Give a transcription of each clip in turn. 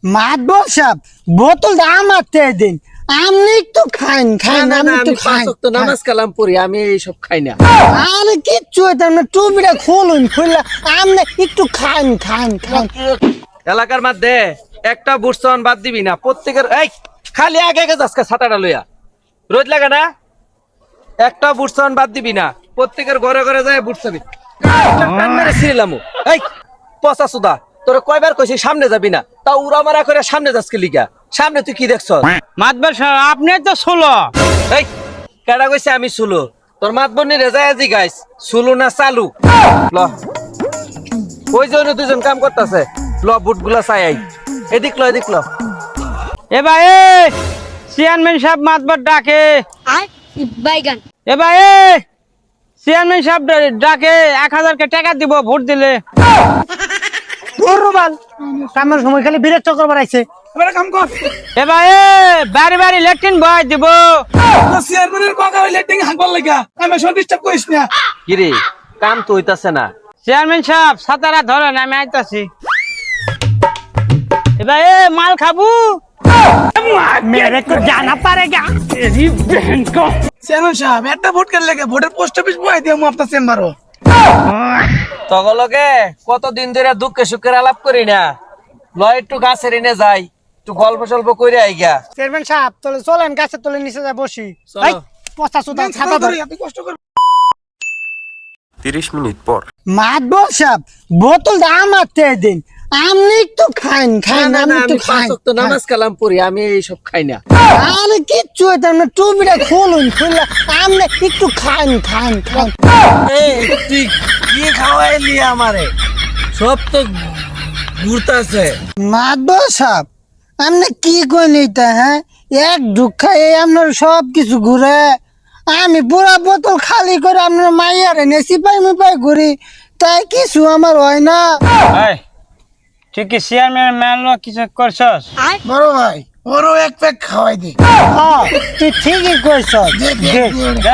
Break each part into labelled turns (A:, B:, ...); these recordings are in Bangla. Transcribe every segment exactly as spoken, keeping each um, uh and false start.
A: মাতবর সাহেব বোতলটা আমার তে দিন, আপনি একটু খাইন খাইন
B: না,
A: আমি
B: না,
A: একটু
B: আমি
A: খাই
B: পাঁচ ওয়াক্ত নামাজ কালাম পড়ি, আমি এইসব খাই না।
A: আরে কিচ্ছু হইতাম না, টুপিটা খুলুন খুললে আপনি একটু খাইন খাইন খাইন
B: এলাকার মধ্যে একটা বুটসন বাদ দিবি না, প্রত্যেকের এই খালি আগে আগে যাস ছাতাটা লইয়া, রোদ লাগে না, একটা বুটসন বাদ দিবি না, প্রত্যেকের ঘরে ঘরে যায় বুটছবি টান মেরে ছিলাম। এই পচা সুদা, তোর কয়বার কইছি সামনে যাবি না, তা উড়া মারা করে সামনে যাসকে লিগা, সামনে তুই কি দেখছ?
C: মাতবার সাহেব আপনি তো ষোলো।
B: এই কেডা কইছে আমি সুলো? তোর মাতবনি রেজায় আজি গাইস সুলো না চালু। ল ওই জন্য দুজন কাম করতেছে, ল বুট গুলা চাই আই, এদিক ল এদিক ল।
C: এ ভাই চেয়ারম্যান সাহেব মাতবার ডাকে।
D: আর বাইগান
C: এ ভাই চেয়ারম্যান সাহেব ডাকে, এক হাজার কে টাকা দিব ভোট দিলে।
A: রুবাল কামের সময় খালি বিরক্ত করবার আইছে।
E: এবারে কাম কর।
C: এ ভাই বাড়ি বাড়ি লেট্রিন বয় দিব।
E: তো চেয়ারম্যানের বাগা হইলে টিং হাঁকবার লাগা আমি সব ডিস্টার্ব করিস না।
B: কিরে কাম তো হইতাছে না।
C: চেয়ারম্যান সাহেব সাতারা ধরেন, আমি আইতাছি। এ ভাই মাল খাবো।
A: মেরে তো জানা পারেগা।
E: চেয়ারম্যান সাহেব একটা ভোট কেন লাগে, ভোটের পোস্ট অফিস বই দিয়ে আমি আপনার চেম্বারও।
B: তগলকে কতদিন ধরে দুঃখে সুখের আলাপ করি না, ল একটু গাছের এনে যাই, একটু গল্প সল্প করে আইগা।
A: চেয়ারম্যান সাহেব তাহলে চলেন গাছের তলে নিচে যা বসি।
B: চলো।
A: এই পচা সুতা ছাতা ধরে
E: আপনি কষ্ট কর।
F: তিরিশ মিনিট পর
A: মাতবর সাহেব বোতলটা আমার তে দিন, আপনি একটু খাইন খাইন
B: না,
A: আমি
B: না,
A: একটু
B: আমি পাঁচ
A: খাই
B: ওয়াক্ত নামাজ কালাম পড়ি, আমি এইসব খাই না।
A: আরে কিচ্ছু হইতাম না, টুপিটা খুলুন খুললে আপনি একটু খাইন খাইন খাইন
B: এই তুই কি খাওয়াইলি আমারে? সব তো ঘুরতাছে।
A: মাতবর সাহেব আপনি কি কই নিতে, হ্যাঁ এক ঢুক খাই আপনার সব কিছু ঘুরে, আমি পুরা বোতল খালি করে আপনার মাইয়ারে নিয়ে সিপাই মিপাই ঘুরি, তাই কিছু আমার হয় না।
C: এই তুই কি চেয়ারম্যান ম্যান কিছু করছস?
D: আর
E: বড় ভাই ওরও এক প্যাক খাওয়াই দে।
A: হ্যাঁ তুই ঠিকই কইছ,
C: দেখ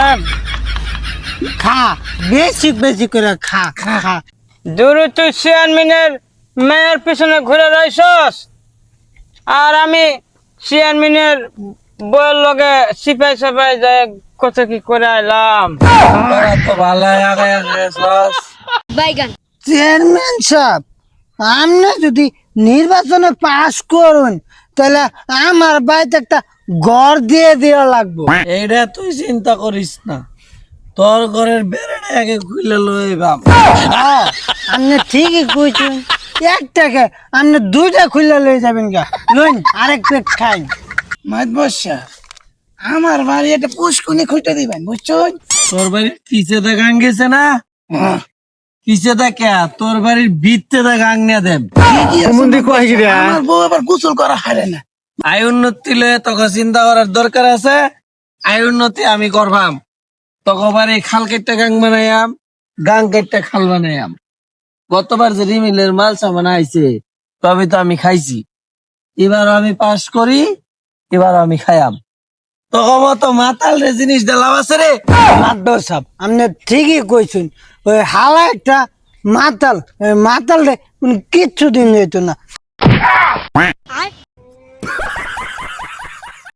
A: খা বেশি বেশি করে খা খা খা
C: দূর তুই চেয়ারম্যানের মেয়ের পিছনে ঘুরে রইছস, আর আমি চেয়ারম্যানের বইয়ের লগে সিপাই সাপাই যায় কত কি করে আইলাম।
B: তোরা তো ভালাই আগে গেছস।
D: বাইগান
A: চেয়ারম্যান সাহেব আপনি যদি নির্বাচনে পাশ করুন তাহলে আমার বাড়িতে একটা ঘর দিয়ে দেওয়া লাগবে।
B: এইটা তুই চিন্তা করিস না, তোর ঘরের বেড়াটা আগে খুলে লইবাম।
A: হ্যাঁ, আপনি ঠিকই কইছেন, একটাকে আপনি দুইটা খুলে লয়ে যাবেন গা, লইন আরেক প্লেট খাই।
E: মাইত বসা আমার বাড়ি একটা পুষ্কুনি খুঁজতে দিবেন বুঝছেন।
B: তোর বাড়ির পিছে দা গাং গেছে না, পিছে দা কে তোর বাড়ির ভিততে দা গাং নিয়ে দেব।
E: আমার বউ আবার গোসল করা হারে না।
B: আয় উন্নতি লয়ে তোকে চিন্তা করার দরকার আছে, আয় উন্নতি আমি করবাম। তোকে বাড়ি খাল কেটে গাং বানাইয়াম, গাং কেটে খাল বানাইয়াম। গতবার যে রিমিলের মাল সামান আইছে তবে তো আমি খাইছি, এবার আমি পাস করি, এবার আমি খাইয়াম। তোকে মতো মাতাল রে জিনিস দিলাম আছে রে।
A: মাতবর সাহেব আপনি ঠিকই কইছেন, ওই হালা একটা মাতাল, ওই মাতাল রে কিচ্ছু দিন যেত না।
D: আর